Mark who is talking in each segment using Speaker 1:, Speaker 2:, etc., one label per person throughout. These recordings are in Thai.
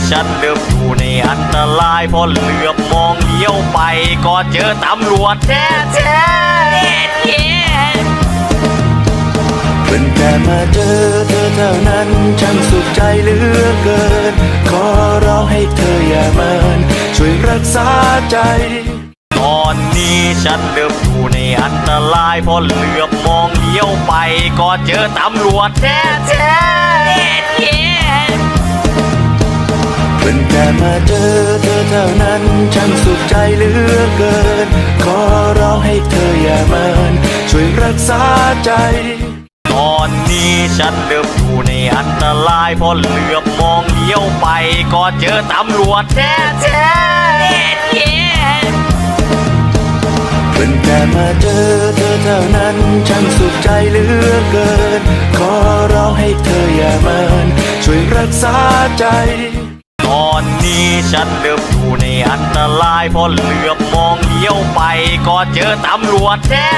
Speaker 1: ฉันเริ่มอยู่ในอันตรายพอเหลือบมองเลี้ยวไปก็เจอตำรวจแท้เพิ่งแต่มาเจอเธอเท่านั้นฉันสุขใจเหลือเกินขอร้องให้เธออย่าเมินช่วยรักษาใจตอนนี้ฉันเริ่มอยู่ในอันตรายพอเหลือบมองเลี้ยวไปก็เจอตำรวจแท้เพิ่งแต่มาเจอเธอเท่านั้นฉันสุขใจเหลือเกินขอร้องให้เธออย่าเมินช่วยรักษาใจตอนนี้ฉันเริ่มอยู่ในอันตรายพอเหลือบมองเลี้ยวไปก็เจอตำรวจแท้เพิ่งแต่มาเจอเธอเท่านั้นฉันสุขใจเหลือเกินขอร้องให้เธออย่าเมินช่วยรักษาใจตอนนี้ฉันเริ่มอยู่ในอันตรายพอเหลือบมองเลี้ยวไปก็เจอตำรวจแท้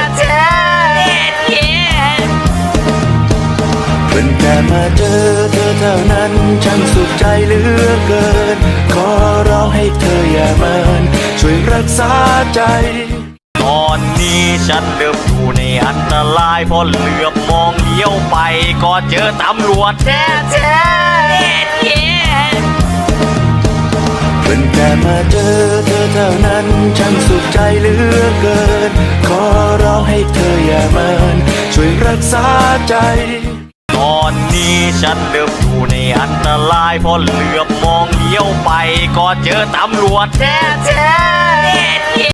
Speaker 1: เพิ่งแต่มาเจอเธอเท่านั้นฉันสุขใจเหลือเกินขอร้องให้เธออย่าเมินช่วยรักษาใจตอนนี้ฉันเริ่มอยู่ในอันตรายพอเหลือบมองเลี้ยวไปก็เจอตำรวจแท้เพิ่งแต่มาเจอเธอเท่านั้นฉันสุขใจเหลือเกินขอร้องให้เธออย่าเมินช่วยรักษาใจตอนนี้ฉันเริ่มอยู่ในอันตรายพอเหลือบมองเลี้ยวไปก็เจอตำรวจแท้